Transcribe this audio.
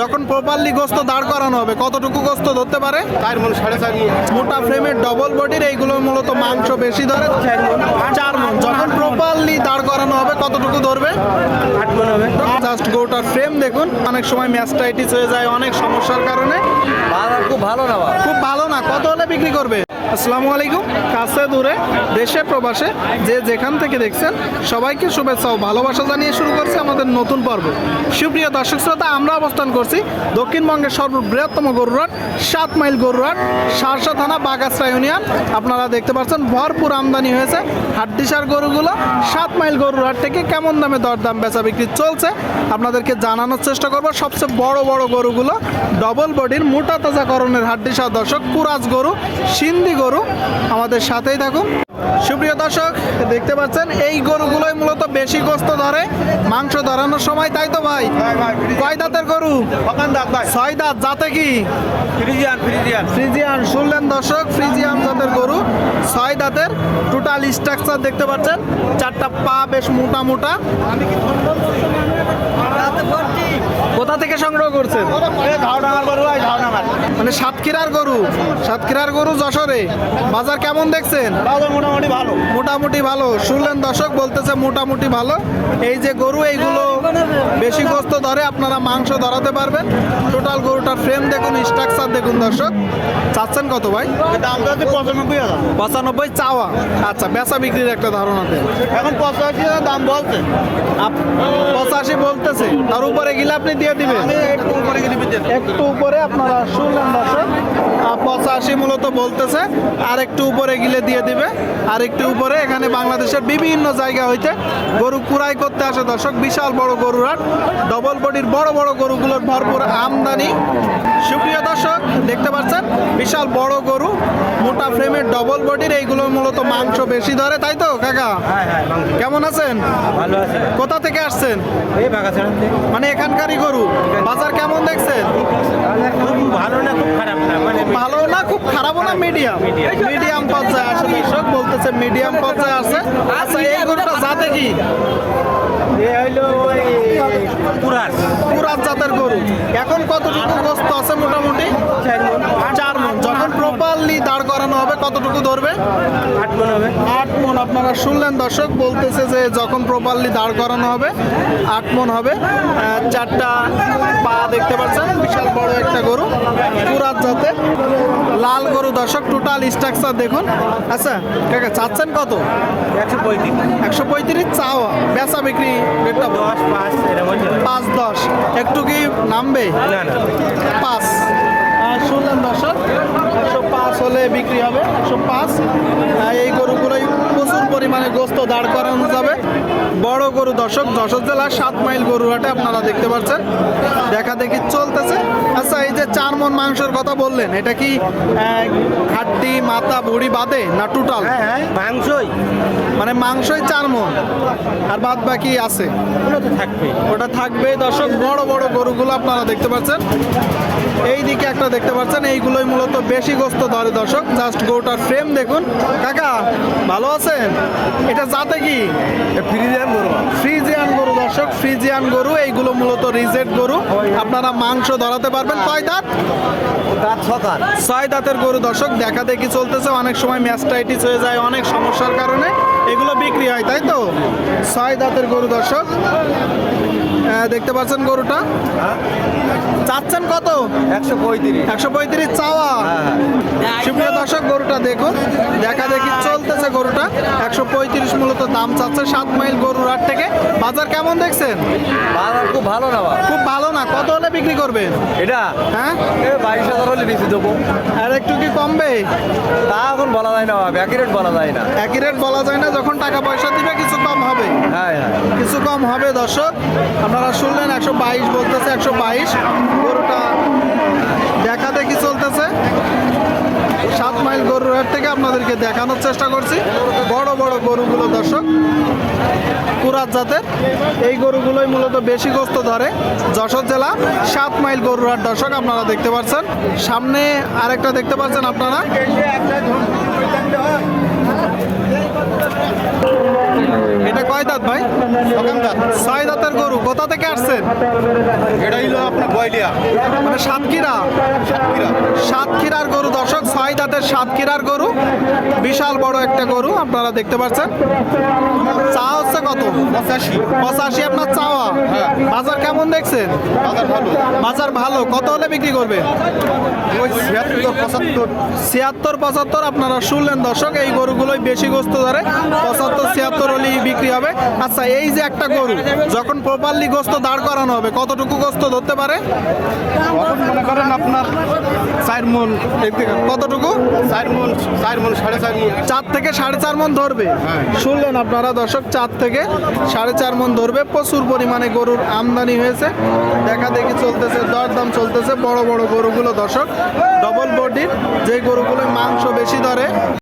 যখন প্রপারলি গোস্ত দাঁড় করানো হবে কতটুকু গোস্ত ধরতে পারে? 4 মণ 4.5 মণ। মোটা ফ্রেমের ডবল বডির এইগুলো মূলত মাংস বেশি ধরে 4 মণ। যখন প্রপারলি দাঁড় করানো হবে কতটুকু ধরবে? 8 মণ হবে। জাস্ট গরুটার ফ্রেম দেখুন, অনেক সময় ম্যাস্টাইটিস হয়ে যায় অনেক সমস্যার কারণে। বাজার খুব ভালো না বাবা। খুব ভালো না, কত হলে বিক্রি করবে? আসসালামু আলাইকুম। কাছে দূরে দেশে প্রবাসে যে যেখান থেকে দেখছেন সবাইকে শুভেচ্ছা ও ভালোবাসা জানিয়ে শুরু করছে আমাদের নতুন পর্ব। সুপ্রিয় দর্শক শ্রোতা, আমরা অবস্থান করছি দক্ষিণবঙ্গের সর্ববৃহত্তম গরুরহাট 7 মাইল গরুরহাট, সারসা থানা, বাগাসরা ইউনিয়ন। আপনারা দেখতে পাচ্ছেন ভরপুর আমদানি হয়েছে হাড্ডিসার গরুগুলো। 7 মাইল গরুরহাট থেকে কেমন দামে দরদাম বেচা বিক্রি চলছে আপনাদেরকে জানানোর চেষ্টা করব। সবচেয়ে বড় বড় গরুগুলো ডবল বডির মোটা তাজাকরণের হাড্ডিসার দর্শক, কুরাজ গরু, সিন্ধি গরু, আমাদের সাথেই থাকুন। সুপ্রিয় দর্শক, দেখতে পাচ্ছেন এই গরুগুলোই মূলত বেশি গোস্ত ধরে মাংস ধরানোর সময়, তাই তো ভাই? কয় দাঁতের গরু? 6 দাঁত। জাতে কি? ফ্রিজিয়ান। শুনলেন দর্শক, ফ্রিজিয়ান জাতের গরু, 6 দাঁতের। টোটাল স্ট্রাকচার দেখতে পাচ্ছেন, 4টা পা বেশ মোটা মোটা। কোথা থেকে সংগ্রহ করছেন? মানে সাতক্ষীরার গরু। সাতক্ষীরার গরু যশোরে। বাজার কেমন দেখছেন? মোটামুটি ভালো। মোটামুটি ভালো। শুনলেন দর্শক, বলতেছে মোটামুটি ভালো। এই যে গরু, এইগুলো বেশি গোস্ত ধরে, আপনারা মাংস ধরাতে পারবেন। টোটাল গরুটার ফ্রেম দেখুন, স্ট্রাকচার দেখুন দর্শক। চাচ্ছেন কত ভাই? দাম তো 95,000। 95 চাওয়া। আচ্ছা, বেচা বিক্রির একটা ধারণা দেন। এখন 85,000 দাম বলছে। 85 বলতেছে, তার উপরে গেলে আপনি দিয়ে দিবেন? আমি একটু উপরে গেলে দিয়ে দেব। একটু উপরে আপনারা শুনলেন দর্শক, 85 মূলত বলতেছে, আর একটু উপরে গিলে দিয়ে দিবে। আর একটু উপরে এখানে বাংলাদেশের বিভিন্ন জায়গা হইতে গরু কুড়াই করতে আসে দর্শক। বিশাল বড় গরুরহাট, ডবল বডির বড় বড় গরুগুলোর ভরপুর আমদানি। সুপ্রিয় দর্শক, দেখতে পাচ্ছেন বিশাল বড় গরু, মোটা ফ্রেমের ডবল বডির, এইগুলো মূলত মাংস বেশি ধরে, তাই তো কাকা? কেমন আছেন? ভালো আছে। কোথা থেকে আসছেন? এই বাগাছড়া থেকে। মানে এখানকারই গরু। বাজার কেমন দেখছেন? খুব ভালো না, খুব খারাপ না, মানে ভালো না, খুব খারাপও না, মিডিয়াম। মিডিয়াম পর্যায়ে আছে দর্শক, বলতেছে মিডিয়াম পর্যায়ে আছে। আচ্ছা, এই গরুটা জাতে কি? এ হইলো ওই কুরাস। কুরাজ জাতের গরু। এখন কতটুকু গোস্ত আছে মোটামুটি? 4 মণ। যখন প্রপারলি দাঁড় করানো হবে কতটুকু ধরবে? 8 মণ হবে। 8 মণ। আপনারা শুনলেন দর্শক, বলতেছে যে যখন প্রপারলি দাঁড় করানো হবে 8 মণ হবে। 4টা পা দেখতে পাচ্ছেন, বিশাল বড় একটা গরু, কুরাজ জাতের লাল গরু দর্শক। টোটাল স্ট্রাকচার দেখুন। আচ্ছা কাকা, চাচ্ছেন কত? 135। 135 চাওয়া। বেচা বিক্রি রেটটা 10 5 এরকম হচ্ছে। 5-10। একটু কি নামবে? না না। 5। শুনলেন দর্শক, 105 হলে বিক্রি হবে। 105। এই গরুগুলোই প্রচুর পরিমাণে গোস্ত দাঁড় করানো যাবে। বড় গরু দর্শক, যশোর জেলার 7 মাইল গরুহাটে আপনারা দেখতে পাচ্ছেন দেখা দেখি চলতেছে। আচ্ছা, এই যে 4 মণ মাংসের কথা বললেন, এটা কি হাড্ডি মাথা ভুড়ি বাদে না টোটাল? হ্যাঁ, মাংসই মানে মাংসই 4 মণ, আর বাদ বাকি আছে? ওটা তো থাকবে। ওটা থাকবে দর্শক। বড় বড় গরুগুলো আপনারা দেখতে পাচ্ছেন। এই দিকে একটা দেখতে পাচ্ছেন, এইগুলোই মূলত বেশি গোস্ত ধরে দর্শক। জাস্ট গরুটার ফ্রেম দেখুন। কাকা ভালো আছেন? এটা জাতে কি? ফ্রিজিয়ান গরু। ফ্রিজিয়ান গরু দর্শক, ফ্রিজিয়ান গরু। এইগুলো মূলত রিজেক্ট গরু, আপনারা মাংস ধরাতে পারবেন। কয় দাঁত? দাঁত 6 দাঁত। 6 দাঁতের গরু দর্শক, দেখা দেখি চলতেছে। অনেক সময় ম্যাস্টাইটিস হয়ে যায় অনেক সমস্যার কারণে, এগুলো বিক্রি হয়, তাই তো? 6 দাঁতের গরু দর্শক, দেখতে পাচ্ছেন গরুটা। চাচ্ছেন কত? 135। 135 চাওয়া। সুপ্রিয় দর্শক, গরুটা দেখুন, দেখা দেখি চলতেছে গরুটা। 135 মূলত দাম চাচ্ছে 7 মাইল গরুরহাট থেকে। বাজার কেমন দেখছেন? বাজার খুব ভালো না বাবা। খুব ভালো না। কত হলে বিক্রি করবেন? এটা হ্যাঁ, 22,000 হলে বেশি দেবো। আর একটু কি কমবে? তা এখন বলা যায় না বাবা, একই রেট বলা যায় না। একই রেট বলা যায় না, যখন টাকা পয়সা দিবে কিছু কম হবে। হ্যাঁ হ্যাঁ। কিছু কম হবে দর্শক। আপনারা শুনলেন 122 বলতেছে। 122 গরুটা দেখা দেখি চলতেছে। 7 মাইল গরুরহাট থেকে আপনাদেরকে দেখানোর চেষ্টা করছি বড় বড় গরুগুলো দর্শক, কুরাজ জাতের। এই গরুগুলোই মূলত বেশি গোস্ত ধরে যশোর জেলা 7 মাইল গরুরহাট দর্শক। আপনারা দেখতে পাচ্ছেন, সামনে আরেকটা দেখতে পাচ্ছেন আপনারা। এটা কয় দাঁত ভাই? ছয় দাঁতের গরু। কোথা থেকে আসছেন? এটা হইলো আপনার বয়লিয়া মানে সাতক্ষীরার গরু দর্শক, ছয় দাঁতের সাতক্ষীরার গরু, বিশাল বড় একটা গরু আপনারা দেখতে পাচ্ছেন। চা হচ্ছে কত? 85 আপনার চাওয়া। বাজার কেমন দেখছেন? বাজার ভালো। কত হলে বিক্রি করবে? ওই 76 75 76 আপনারা শুনলেন দর্শক, এই গরুগুলোই বেশি গোস্ত ধরে। 75-76 হলেই বিক্রি হবে। আচ্ছা, এই যে একটা গরু যখন প্রপারলি গোস্ত দাঁড় করানো হবে, কতটুকু গোস্ত ধরতে পারে? এখন মনে করেন আপনার 4 মণ, কতটুকু? 4 মণ 4.5 মণ 4 থেকে 4.5 মণ ধরবে। শুনলেন আপনারা দর্শক, 4 থেকে 4.5 মণ ধরবে। প্রচুর পরিমাণে গরুর আমদানি হয়েছে, দেখা দেখি চলতেছে, দরদাম চলতেছে। বড় বড় গরুগুলো দর্শক, ডবল বডির যে গরুগুলো মাংস বেশি ধরে